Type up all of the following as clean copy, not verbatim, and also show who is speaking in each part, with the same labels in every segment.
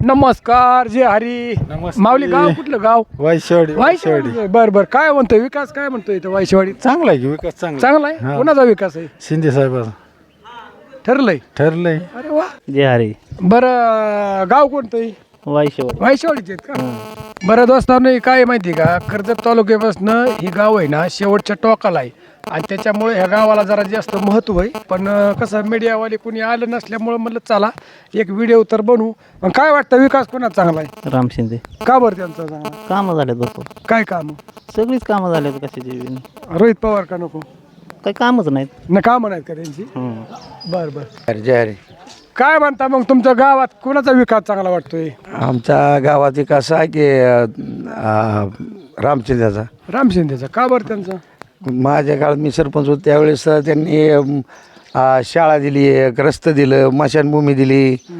Speaker 1: नमस्कार जय हरी.
Speaker 2: नमस्ते.
Speaker 1: माऊली गाव कुठलं गाव?
Speaker 2: वायशेवाडी.
Speaker 1: बर बर. काय म्हणतोय विकास, काय म्हणतोय इथं वायशेवाडीत?
Speaker 2: चांगला आहे की विकास चांगला
Speaker 1: चांगला आहे.
Speaker 2: हा.
Speaker 1: कोणाचा विकास आहे?
Speaker 2: शिंदे साहेबाचा
Speaker 1: ठरलंय.
Speaker 2: ठरलंय.
Speaker 1: अरे वा.
Speaker 3: जे हरी
Speaker 1: बरं गाव कोणतं आहे?
Speaker 3: वायशेवाडी.
Speaker 1: वायशेवाडीचे आहेत का? बरं दोस्तांनो, काय माहिती का, कर्जत तालुक्यापासून ही गाव आहे ना शेवटच्या टोकाला आहे आणि त्याच्यामुळे ह्या गावाला जरा जास्त महत्त्व आहे. पण कसं मीडियावाले कोणी आलं नसल्यामुळं म्हणलं चला एक व्हिडिओ तर बनवू. पण काय वाटतं विकास कोणाचा चांगला आहे?
Speaker 3: राम शिंदे.
Speaker 1: का बरं त्यांचा चांगला?
Speaker 3: कामं झालेत भरपूर.
Speaker 1: काय काम?
Speaker 3: सगळीच कामं झालेत कशाची बी.
Speaker 1: रोहित पवार का नको?
Speaker 3: काही कामच नाहीत.
Speaker 1: ना कामं नाहीत का त्यांची? बरं बरं.
Speaker 2: जय हरी.
Speaker 1: काय म्हणता मग तुमच्या गावात कोणाचा विकास चांगला वाटतोय?
Speaker 2: आमच्या गावात विकास आहे की रामचंद्राचा.
Speaker 1: राम शिंदेचा. का बरं त्यांचा?
Speaker 2: माझ्या काळात मी सरपंच होतो त्यावेळेस त्यांनी शाळा दिली, एक रस्तं दिलं, मशानभूमी दिली,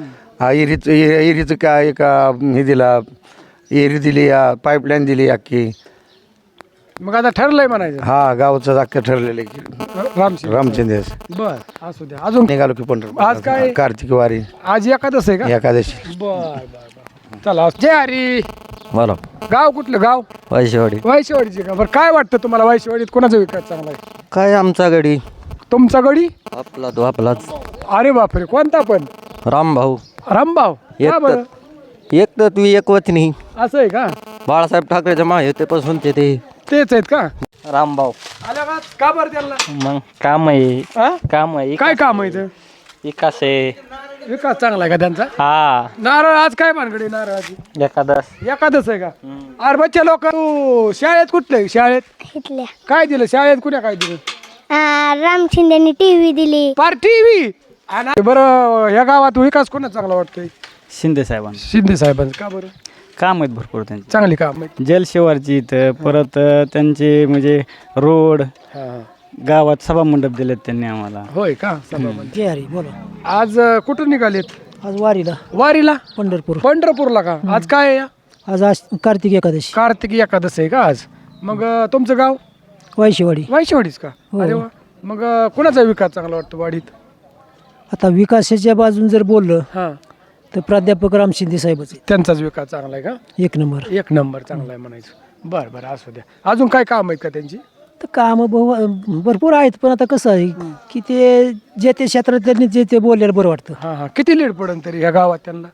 Speaker 2: एरीचं काय एक हे दिला, एरी दिली, पाईपलाईन दिली अख्खी.
Speaker 1: मग आता ठरलंय म्हणायचं.
Speaker 2: हा गावचं अख्खं ठरलेलं आहे की
Speaker 1: राम शिंदे.
Speaker 2: रामचंद्र.
Speaker 1: बर असू द्या. अजून
Speaker 2: निघालो की पंढरपूर.
Speaker 1: आज काय?
Speaker 2: कार्तिक वारी
Speaker 1: आज एकादश आहे का?
Speaker 2: एकादशी.
Speaker 1: बर बर बर. चला जय हरी.
Speaker 3: बोला.
Speaker 1: गाव कुठलं गाव?
Speaker 3: वायशेवाडी.
Speaker 1: वायशेवाडीचे का? बरं काय वाटतं तुम्हाला वायशेवाडीत कोणाचा विकास चांगला आहे?
Speaker 3: काय आमचा गडी
Speaker 1: तुमचा गडी?
Speaker 3: आपला तो आपलाच
Speaker 1: अरे बापरे, कोणता पण?
Speaker 3: राम भाऊ.
Speaker 1: रामभाव. का बरं?
Speaker 3: एक तर तू एक वतनी.
Speaker 1: असं आहे का?
Speaker 3: बाळासाहेब ठाकरेच्या मागे होतेपासून ते
Speaker 1: तेच आहेत का?
Speaker 3: रामभाऊ.
Speaker 1: आल्या का बरं त्यांना?
Speaker 3: मग काम आहे.
Speaker 1: हा?
Speaker 3: काम आहे.
Speaker 1: काय काम आहे इथं?
Speaker 3: विकास आहे.
Speaker 1: विकास चांगला आहे का त्यांचा?
Speaker 3: हा.
Speaker 1: नारळ आज काय भानगडी नारळाची?
Speaker 3: एकादश.
Speaker 1: एकादश आहे का? अरे बच्चे लोक शाळेत कुठले? शाळेत
Speaker 4: घेतल्या
Speaker 1: काय दिलं? शाळेत कुण्या काय दिलं?
Speaker 4: राम शिंदेनी टीव्ही दिली.
Speaker 1: पार टीव्ही. बरं या गावात विकास कोणा चांगला वाटतोय?
Speaker 3: शिंदे साहेबांना.
Speaker 1: शिंदे साहेबांचं. का बरं?
Speaker 3: काम आहेत भरपूर त्यांचे.
Speaker 1: चांगली काम आहे.
Speaker 3: जलशिवारची इथं परत त्यांचे म्हणजे रोड गावात सभा मंडप दिलेत त्यांनी आम्हाला.
Speaker 1: होय का? सभामध्ये.
Speaker 5: जय हरी. बोला.
Speaker 1: आज कुठून निघालेत?
Speaker 5: आज वारीला
Speaker 1: वारीला?
Speaker 5: पंढरपूर.
Speaker 1: पंढरपूरला का? आज काय आहे?
Speaker 5: आज कार्तिक एकादशी.
Speaker 1: कार्तिकी एकादश आहे का आज? मग तुमचं गाव?
Speaker 5: वायशेवाडी.
Speaker 1: वायशेवाडीच का?
Speaker 5: हो.
Speaker 1: अरे वा. मग कोणाचा विकास चांगला वाटतो वाडीत?
Speaker 5: आता विकासाच्या बाजून जर बोललं
Speaker 1: हां,
Speaker 5: तर प्राध्यापक राम शिंदे साहेबच आहेत.
Speaker 1: त्यांचाच विकास चांगला आहे का?
Speaker 5: एक नंबर.
Speaker 1: एक नंबर चांगला आहे म्हणायचं. बरं बरं असू द्या. अजून काय काम आहेत का त्यांची?
Speaker 5: तर कामं भरपूर आहेत, पण आता कसं आहे की ते जे ते क्षेत्रात त्यांनी जे ते बोललेलं बरं वाटतं.
Speaker 1: हां हां. किती लीड पडेल तरी ह्या गावात त्यांना?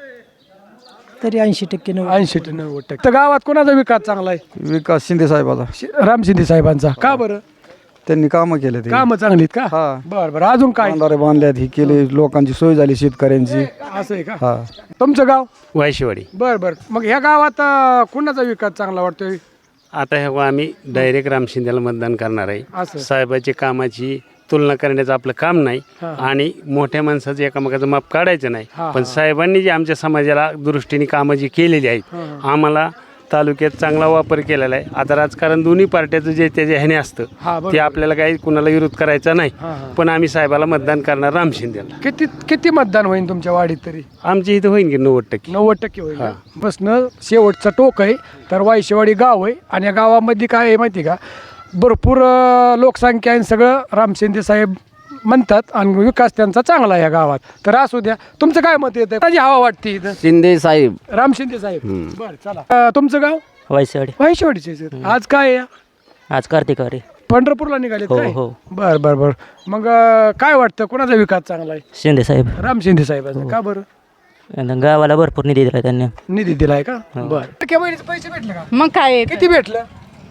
Speaker 5: तरी 80%
Speaker 1: 80 ते 90%. तर गावात कोणाचा विकास चांगला आहे?
Speaker 2: विकास शिंदे साहेबाचा.
Speaker 1: राम शिंदे साहेबांचा. का बरं?
Speaker 2: त्यांनी कामं केले ते.
Speaker 1: कामं चांगलीत का?
Speaker 2: हा.
Speaker 1: बरं बरं. अजून काय?
Speaker 2: बांधारे बांधल्यात, ही केली, लोकांची सोय झाली शेतकऱ्यांची.
Speaker 1: असं आहे का?
Speaker 2: हा.
Speaker 1: तुमचं गाव?
Speaker 6: वायशेवाडी.
Speaker 1: बरं बरं. मग ह्या गावात कोणाचा विकास चांगला वाटतोय?
Speaker 6: आता ह्या आम्ही डायरेक्ट राम शिंदेला मतदान करणार आहे.
Speaker 1: असं.
Speaker 6: साहेबाची कामाची तुलना करण्याचं आपलं काम नाही आणि मोठ्या माणसाचं एकामेकाचं माप काढायचं नाही. पण साहेबांनी जे आमच्या समाजाला दृष्टीने कामं जी केलेली आहेत, आम्हाला तालुक्यात चांगला वापर केलेला आहे. आता राजकारण दोन्ही पार्ट्याचं जे त्याच्या ह्याने असतं ते आपल्याला काही कुणाला विरोध करायचा नाही. पण आम्ही साहेबाला मतदान करणार राम शिंदेला.
Speaker 1: किती किती मतदान होईल तुमच्या वाडीत तरी?
Speaker 6: आमच्या इथं होईल की 90%.
Speaker 1: 90% होईल. बसनं शेवटचं टोक आहे तर वायशेवाडी गाव आहे आणि या गावामध्ये काय आहे माहिती का, भरपूर लोकसंख्या आहे. सगळं राम शिंदे साहेब म्हणतात आणि विकास त्यांचा चांगला आहे या गावात. तर असू द्या. तुमचं काय मत येतं? माझी हवा वाटते इथं
Speaker 3: शिंदे साहेब.
Speaker 1: राम शिंदे साहेब. बरं चला. तुमचं गाव?
Speaker 3: वायशेवाडी.
Speaker 1: वायशेवाडीचे. आज काय आहे?
Speaker 3: आज कार्तिक वारी.
Speaker 1: पंढरपूरला निघाले
Speaker 3: हो,
Speaker 1: काय?
Speaker 3: हो.
Speaker 1: बरं बरं बरं. मग काय वाटतं कोणाचा विकास चांगला आहे?
Speaker 3: शिंदे साहेब.
Speaker 1: राम शिंदे साहेबांचा. का बरं?
Speaker 3: गावाला भरपूर निधी दिला त्यांनी.
Speaker 1: निधी दिलाय का? बरं. टक्के बहिणीचे पैसे भेटले का?
Speaker 7: मग काय
Speaker 1: किती भेटलं?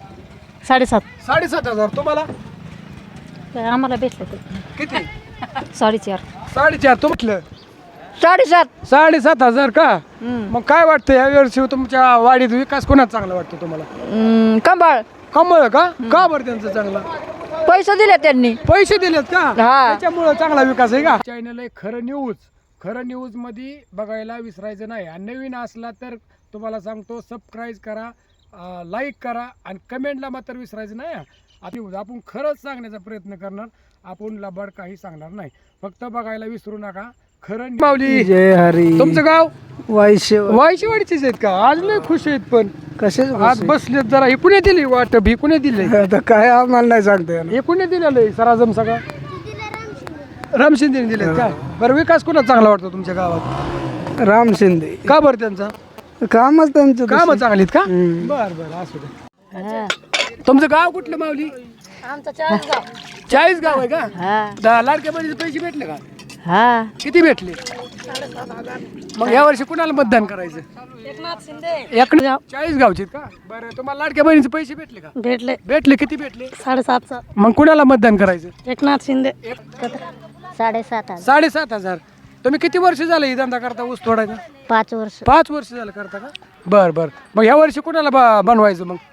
Speaker 7: 7.5.
Speaker 1: 7,500. तुम्हाला
Speaker 7: आम्हाला भेटलं ते
Speaker 1: किती?
Speaker 7: 4.5.
Speaker 1: 4,500. तुमचं
Speaker 7: 7.5.
Speaker 1: 7,500 का? मग काय वाटतं या वर्षी तुमच्या वाडीत विकास कोणाचा चांगला वाटतो तुम्हाला?
Speaker 7: कंबाळ.
Speaker 1: कमळ का? का बरं त्यांचा चांगला?
Speaker 7: पैसे दिले त्यांनी.
Speaker 1: पैसे दिलेत का?
Speaker 7: हा.
Speaker 1: त्याच्यामुळे चांगला विकास आहे का? चॅनल आहे खरं न्यूज. खरं न्यूज मध्ये बघायला विसरायचं नाही. आणि नवीन असला तर तुम्हाला सांगतो सबस्क्राईब करा, लाईक करा आणि कमेंटला मात्र विसरायचं नाही. आपण खरंच सांगण्याचा प्रयत्न करणार, आपण लबाड काही सांगणार नाही. फक्त बघायला विसरू नका. खरं माऊली.
Speaker 5: जय हरी.
Speaker 1: तुमचं गाव?
Speaker 5: वायशेवाडी.
Speaker 1: वायशेवाडीचेच आहेत का? आज नाही खुश आहेत पण
Speaker 5: कसे
Speaker 1: आज बसलेत जरा. हे कुणी दिली वाटप? ही कुणी दिले?
Speaker 5: आता काय आम्हाला नाही सांगता येणार.
Speaker 1: हे कुणी दिलेलं आहे सराजम सगळं? राम शिंदेने दिलेत का? बरं विकास कोणाचा चांगला वाटतो तुमच्या गावात?
Speaker 8: राम शिंदे.
Speaker 1: का बरं त्यांचा
Speaker 8: कामच त्यांचं
Speaker 1: काम चांगलीत का? बर बर असू दे. तुमचं गाव कुठलं माऊली? चाळीस गाव आहे का? लाडक्या बहिणीचे पैसे भेटले का? किती भेटले? मग या वर्षी कुणाला मतदान करायचं? एकनाथ 40 गावचे का? बरं, तुम्हाला लाडक्या बहिणीचे पैसे भेटले का?
Speaker 7: भेटले
Speaker 1: भेटले. किती भेटले?
Speaker 7: 7,500.
Speaker 1: मग कुणाला मतदान करायचं?
Speaker 7: एकनाथ शिंदे.
Speaker 4: 7,500.
Speaker 1: 7,500. तुम्ही किती वर्ष झालं ही धंदा करता ऊस तोडायचा?
Speaker 4: 5 वर्ष.
Speaker 1: 5 वर्ष झालं करता का? बर बर. मग ह्या वर्षी कुणाला बनवायचं मग?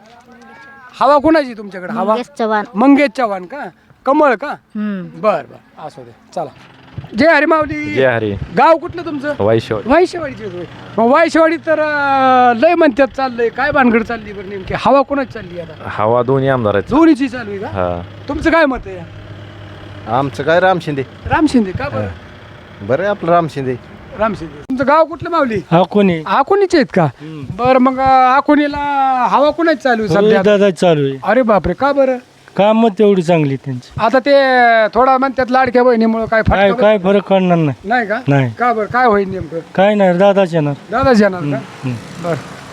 Speaker 1: हवा कुणाची तुमच्याकडे? हवा
Speaker 4: मंगेश चव्हाण.
Speaker 1: मंगेश चव्हाण का? कमळ का? बर बर असू दे. चला. जय हरी माऊली.
Speaker 9: जय हरी.
Speaker 1: गाव कुठलं तुमचं?
Speaker 9: वाईशेवाडी.
Speaker 1: वायशेवाडीचे होय. मग वायशेवाडी तर लय म्हणतात चाललंय. काय भानगड चालली बरं नेमकी? हवा कोणाची चालली आता?
Speaker 9: हवा दोन्ही आमदार आहेत.
Speaker 1: दोन्हीची चालू आहे का?
Speaker 9: हा.
Speaker 1: तुमचं काय मत आहे?
Speaker 10: आमचं काय राम शिंदे.
Speaker 1: राम शिंदे का? बरं,
Speaker 10: बरं आहे आपलं राम शिंदे.
Speaker 1: राम शिंदे. तुमचं गाव कुठलं माऊली?
Speaker 3: कोणी
Speaker 1: आकुनीचे आहेत का? बरं, मग आकुनीला हवा कोणाची चालू आहे सध्या?
Speaker 3: दादा चालू आहे.
Speaker 1: अरे बापरे, का बरं?
Speaker 3: काम तेवढी चांगली त्यांची.
Speaker 1: आता ते थोडा म्हणतात लाडक्या बहिणीमुळे काय
Speaker 3: काय
Speaker 1: फटका
Speaker 3: काय फरक पडणार नाही.
Speaker 1: नाही का?
Speaker 3: नाही.
Speaker 1: का बरं, काय होईल नेमकं?
Speaker 3: काय नाही, दादाच येणार.
Speaker 1: दादाच येणार का? बर.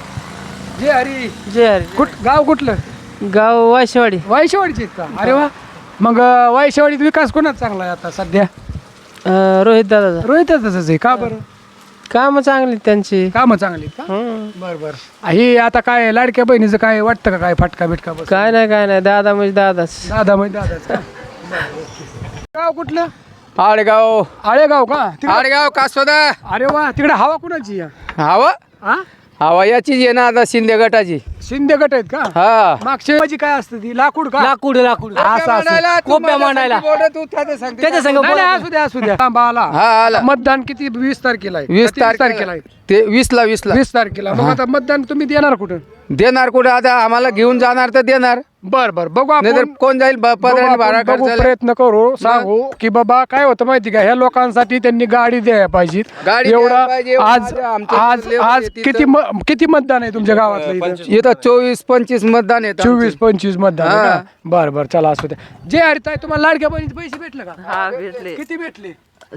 Speaker 1: जय हरी.
Speaker 8: जय हरी.
Speaker 1: गाव कुठलं?
Speaker 8: गाव वायशेवाडी.
Speaker 1: वायशेवाडीचे आहेत का? अरे वा. मग वायशेवाडीत विकास कोणाचा चांगला आहे आता सध्या?
Speaker 8: रोहित दादा.
Speaker 1: रोहितच आहे का? बरं,
Speaker 8: काम चांगली त्यांची.
Speaker 1: कामं चांगली आहेत का? बर बर. ही आता काय लाडक्या बहिणीचं काय वाटतं का? काय फटका बिटका बस?
Speaker 8: काय नाही दादा म्हणजे दादाच.
Speaker 1: दादा म्हणजे दादाच का? बरं, ओके. गाव कुठलं?
Speaker 8: आडगाव.
Speaker 1: आळेगाव का? तिकडे-
Speaker 8: आडगाव कासोदा.
Speaker 1: अरे वा. तिकडे हवा कुणाची आहे?
Speaker 8: हवा
Speaker 1: हा?
Speaker 8: हवा याचीच आहे ना आता, शिंदे गटाची.
Speaker 1: शिंदे गट आहेत का?
Speaker 8: हा.
Speaker 1: मागच्या माझी काय असतं ती? लाकूड का?
Speaker 8: लाकूड कोप्या मांडायला. त्याच्या संग
Speaker 1: नाही, नाही, असू द्या असू द्या. थांबा, आला.
Speaker 8: हा आला.
Speaker 1: मतदान किती? 20 तारखेला आहे.
Speaker 8: 20
Speaker 1: किती तारखेला आहे?
Speaker 8: ते 20ला
Speaker 1: 20 तारखेला. मग आता मतदान तुम्ही देणार कुठं?
Speaker 8: देणार कुठे आता, आम्हाला घेऊन जाणार तर देणार.
Speaker 1: बर बर, बघू आपण.
Speaker 8: नाहीतर कोण जाईल
Speaker 1: बघू
Speaker 8: पदराने
Speaker 1: आपण,
Speaker 8: भाडा
Speaker 1: बघू,
Speaker 8: खर्चायला.
Speaker 1: प्रयत्न करू. सांगू की बाबा काय होतं माहिती का, ह्या लोकांसाठी त्यांनी गाडी द्यायला पाहिजे.
Speaker 8: गाडी
Speaker 1: एवढा
Speaker 8: द्यायला पाहिजे.
Speaker 1: आज
Speaker 8: आमच्या
Speaker 1: आज
Speaker 8: लेबर
Speaker 1: आज
Speaker 8: येते
Speaker 1: किती किती मतदान आहे तुमच्या गावातलं इथं?
Speaker 8: इथं 24-25 मतदान येत.
Speaker 1: 24-25 मतदान आहे
Speaker 8: हा.
Speaker 1: का? बर बर, चला असू द्या. जे हरिताई, तुम्हाला लाडक्या बहिणीचे पैसे भेटले का?
Speaker 11: हा भेटले.
Speaker 1: किती भेटले?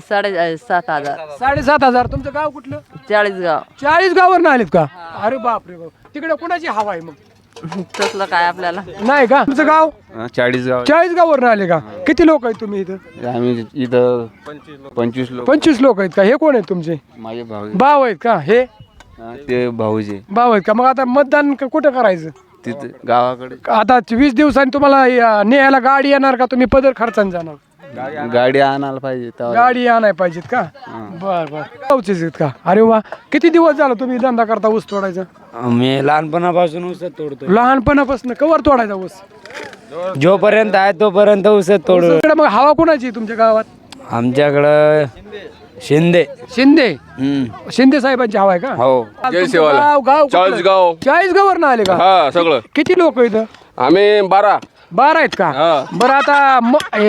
Speaker 11: 7,500.
Speaker 1: 7,500. तुमचं गाव कुठलं?
Speaker 11: 40 गाव.
Speaker 1: 40 गावावर आलेत का? अरे बापरे बाप. तिकडे कुणाची हवा आहे मग?
Speaker 11: तसलं काय आपल्याला
Speaker 1: नाही का? तुमचं गाव?
Speaker 10: 40 गाव.
Speaker 1: 40 गावावर आले का? किती लोक आहेत तुम्ही इथं?
Speaker 10: आम्ही इथं 25 लोक.
Speaker 1: 25 लोक आहेत का? हे कोण आहेत तुमचे?
Speaker 10: माझे भाऊ
Speaker 1: भाव आहेत का? हे
Speaker 10: ते भाऊजी
Speaker 1: भाव आहेत का? मग आता मतदान कुठं करायचं?
Speaker 10: तिथे गावाकडे.
Speaker 1: आता 20 दिवसांनी तुम्हाला न्यायला गाडी येणार का? तुम्ही पदर खर्चाने जाणार?
Speaker 10: गाडी आणायला पाहिजे तेव्हा.
Speaker 1: गाडी आणाय पाहिजेत का? बर बर. गावचेच आहेत का? अरे वा. किती दिवस झाला तुम्ही धंदा करता ऊस तोडायचा?
Speaker 3: मी लहानपणापासून ऊसच तोडतो.
Speaker 1: लहानपणापासून कवर तोडायचा ऊस?
Speaker 3: जोपर्यंत आहे तोपर्यंत ऊसच तोडू.
Speaker 1: ऊसाकडे मग हवा कोणाची आहे तुमच्या गावात?
Speaker 3: आमच्याकडं शिंदे.
Speaker 1: शिंदे. शिंदे साहेबांची हवा आहे का?
Speaker 10: हो.
Speaker 1: तुमचं गाव गाव
Speaker 10: 40 गाव.
Speaker 1: 40 गावावर ना आले का?
Speaker 10: हा सगळं.
Speaker 1: किती लोक इथं?
Speaker 10: आम्ही 12.
Speaker 1: 12 आहेत का? बरं, आता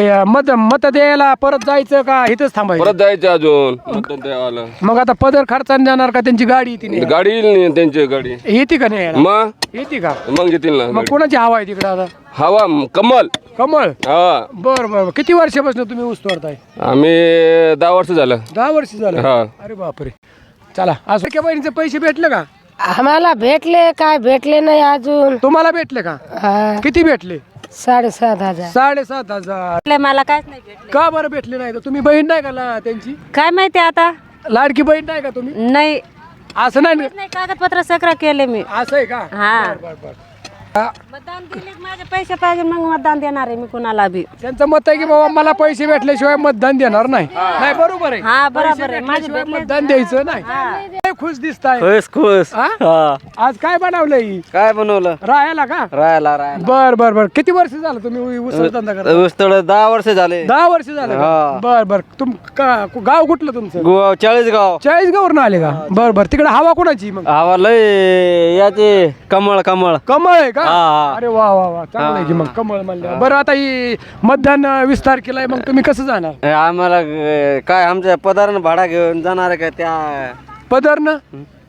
Speaker 1: मत द्यायला परत जायचं का इथंच थांबायचं?
Speaker 10: जायचं अजून.
Speaker 1: मग आता पदर खर्चाने जाणार का? त्यांची गाडी येते नाही?
Speaker 10: गाडी येईल त्यांची गाडी.
Speaker 1: येते का नाही?
Speaker 10: मग
Speaker 1: येते का?
Speaker 10: मग येतील ना.
Speaker 1: मग कोणाची हवा आहे तिकडे आता?
Speaker 10: हवा कमल.
Speaker 1: कमळ.
Speaker 10: हा.
Speaker 1: बर बर. किती वर्षापासून तुम्ही ऊस तोडताय?
Speaker 10: आम्ही 10 वर्ष झालं.
Speaker 1: 10 वर्ष झालं.
Speaker 10: हा.
Speaker 1: अरे बापरे. चला, असं बहिणीचे पैसे भेटले का?
Speaker 12: आम्हाला भेटले काय भेटले नाही अजून.
Speaker 1: तुम्हाला भेटले का? किती भेटले?
Speaker 12: 7,500.
Speaker 1: 7,500.
Speaker 7: मला काहीच नाही भेटले.
Speaker 1: का बरं भेटले नाही? तुम्ही बहीण नाही का त्यांची?
Speaker 7: काय माहिती आता?
Speaker 1: लाडकी बहीण नाही का तुम्ही?
Speaker 7: नाही
Speaker 1: असं नाही.
Speaker 7: नाही, कागदपत्र सगळं केले मी.
Speaker 1: असं आहे का?
Speaker 7: हा.
Speaker 1: बर बर बर.
Speaker 7: मतदान दिले, माझे पैसे पाहिजे मग मतदान देणार आहे मी कुणाला बी.
Speaker 1: त्यांचं मत आहे की बाबा मला पैसे भेटल्याशिवाय मतदान देणार नाही. नाही, बरोबर आहे.
Speaker 7: हा, बरोबर
Speaker 1: पैसे
Speaker 7: आहे. माझे
Speaker 1: भेटल्याशिवाय
Speaker 7: भेटले.
Speaker 1: मतदान द्यायचं नाही. लय खुश दिसताय.
Speaker 3: खुश.
Speaker 1: हा? आज काय बनवलंय?
Speaker 3: काय बनवलं?
Speaker 1: राहायला का?
Speaker 3: राहायला.
Speaker 1: बर बर बर. किती वर्ष झालं तुम्ही ऊस धंदा करता?
Speaker 3: ऊस तोड 10 वर्ष झाले.
Speaker 1: 10 वर्ष झालं का? बर बर. गाव कुठलं तुमचं?
Speaker 3: 40 गाव.
Speaker 1: 40 गावावरून आले का? बर बर. तिकडे हवा कोणाची मग?
Speaker 3: हवा लय याचे कमळ.
Speaker 1: कमळ आहे का?
Speaker 3: हा.
Speaker 1: अरे वा वा वा. चांगलं आहे की मग कमळ म्हणलं. बरं, आता ही मतदान विस्तार केलाय, मग तुम्ही कसं जाणार?
Speaker 3: आम्हाला काय आमच्या पदारानं भाडा घेऊन जाणार आहे का त्या
Speaker 1: पदरनं?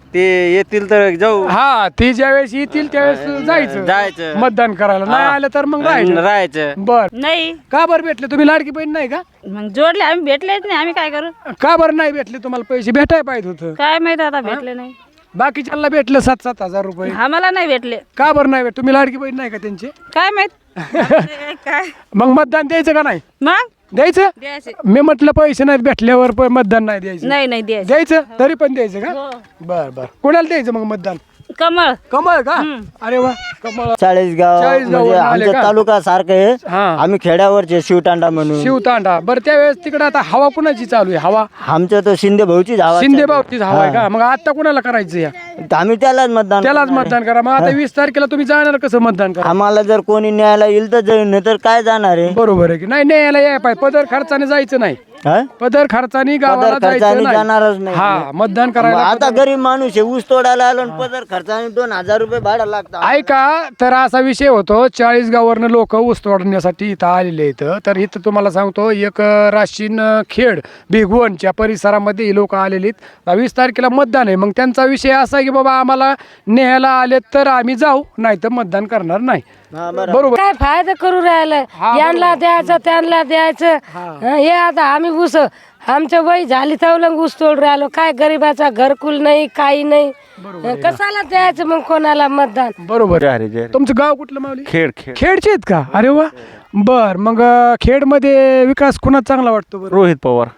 Speaker 3: ते येतील तर जाऊ
Speaker 1: हा ते ज्यावेळेस येतील त्यावेळेस जायचं मतदान करायला. नाही आलं तर मग
Speaker 3: राहायचं.
Speaker 1: बर
Speaker 7: नाही
Speaker 1: का बरं भेटले तुम्ही लाडकी बहीण नाही का?
Speaker 7: मग जोडले आम्ही भेटलेच नाही, आम्ही काय करू?
Speaker 1: का बरं नाही भेटले? तुम्हाला पैसे भेटायला पाहिजे होतं.
Speaker 7: काय माहित आता भेटले नाही.
Speaker 1: बाकीच्यांना भेटलं 7,000 रुपये.
Speaker 7: आम्हाला नाही भेटले.
Speaker 1: का बरं नाही भेट? तुम्ही लाडकी बहीण नाही का त्यांची?
Speaker 7: काय माहित काय
Speaker 1: मग मतदान द्यायचं का नाही?
Speaker 7: मग
Speaker 1: द्यायचं.
Speaker 7: द्यायचे.
Speaker 1: मी म्हटलं पैसे नाहीत भेटल्यावर पण मतदान नाही द्यायचं.
Speaker 7: नाही द्यायचे.
Speaker 1: द्यायचं तरी पण द्यायचं का? बर बर. कोणाला द्यायचं मग मतदान?
Speaker 7: कमळ.
Speaker 1: कमळ का? अरे वा कमळ.
Speaker 3: चाळीसगाव
Speaker 1: चाळीसगाववरून
Speaker 3: म्हणजे
Speaker 1: आले
Speaker 3: आमच्या
Speaker 1: का?
Speaker 3: तालुका सारखं आहे.
Speaker 1: हा
Speaker 3: आम्ही खेड्यावरचे शिवतांडा म्हणून.
Speaker 1: शिवतांडा. बरं त्यावेळेस तिकडे आता हवा कुणाची चालू आहे? हवा
Speaker 3: आमच्या तर शिंदे भाऊची धावा.
Speaker 1: शिंदे बाबतीत हवा आहे का? मग आता कुणाला करायचं या?
Speaker 3: आम्ही त्यालाच मतदान
Speaker 1: त्यालाच मतदान करा. मग आता 20 तारखेला तुम्ही जाणार कसं मतदान करा?
Speaker 3: आम्हाला जर कोणी न्यायला येईल तर जाईल, नाही तर काय जाणार आहे.
Speaker 1: बरोबर आहे की नाही? न्यायला याय पाहिजे. पदर खर्चाने जायचं नाही.
Speaker 3: हा?
Speaker 1: पदर खर्चाने गावाला
Speaker 3: पदर खर्चाने
Speaker 1: जायचं नाही.
Speaker 3: जाणारच नाही.
Speaker 1: हा मतदान
Speaker 3: मग
Speaker 1: करायला.
Speaker 3: आता गरीब माणूस आहे, ऊस तोडायला आलो आणि पदर खर्चाने 2,000 रुपये भाडं लागतं.
Speaker 1: ऐका तर असा विषय होतो. 40 गावावरनं लोक ऊस तोडण्यासाठी इथं आलेले आहेत. तर इथं तुम्हाला सांगतो एक राशीन खेड भिगवणच्या परिसरामध्ये लोक आलेली आहेत. 20 तारखेला मतदान आहे. मग त्यांचा विषय असा आहे की बाबा आम्हाला न्यायला आले तर आम्ही जाऊ, नाही तर मतदान करणार नाही. बरोबर.
Speaker 12: काय फायदा करू राहिलं, यांना द्यायचं त्यांना द्यायचं. हे आता आम्ही ऊस आमच्या वय झाली तवलंग ऊस तोड राहिलो. काय गरीबाचा घरकुल नाही, काही नाही. कशाला द्यायचं मग कोणाला मतदान?
Speaker 1: बरोबर आहे. तुमचं गाव कुठलं माऊली?
Speaker 3: खेळ
Speaker 1: खेडचे आहेत का? अरे वा. बर मग खेडमध्ये विकास कुणाचा चांगला वाटतो बरं?
Speaker 3: रोहित पवार.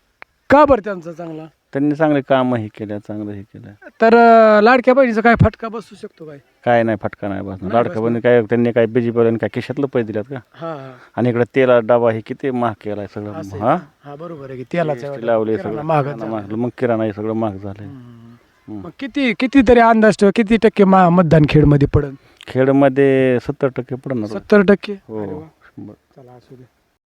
Speaker 1: का बरं त्यांचा चांगला?
Speaker 3: त्यांनी चांगले काम हे केलं, चांगलं हे केलं.
Speaker 1: तर लाडक्या बहिणीचा काय फटका बसू शकतो काय?
Speaker 3: काय नाही, फटका नाही बसणार. लाडका बहिणी काय त्यांनी काय बीजेपी काय खिशातलं पैसे दिल्यात का?
Speaker 1: हा
Speaker 3: आणि इकडे तेला डबा हे किती महाग केलाय सगळं. हा
Speaker 1: हा बरोबर आहे की तेलाचं
Speaker 3: लावले
Speaker 1: किराणा
Speaker 3: सगळं
Speaker 1: महाग
Speaker 3: महाग. मग किराणा हे सगळं महाग झालंय.
Speaker 1: मग किती तरी अंदाज ठेव, किती टक्के मतदान खेडमध्ये पडेल?
Speaker 3: खेडमध्ये 70% पडणार.
Speaker 1: 70%.
Speaker 3: हो.
Speaker 1: चला असू दे.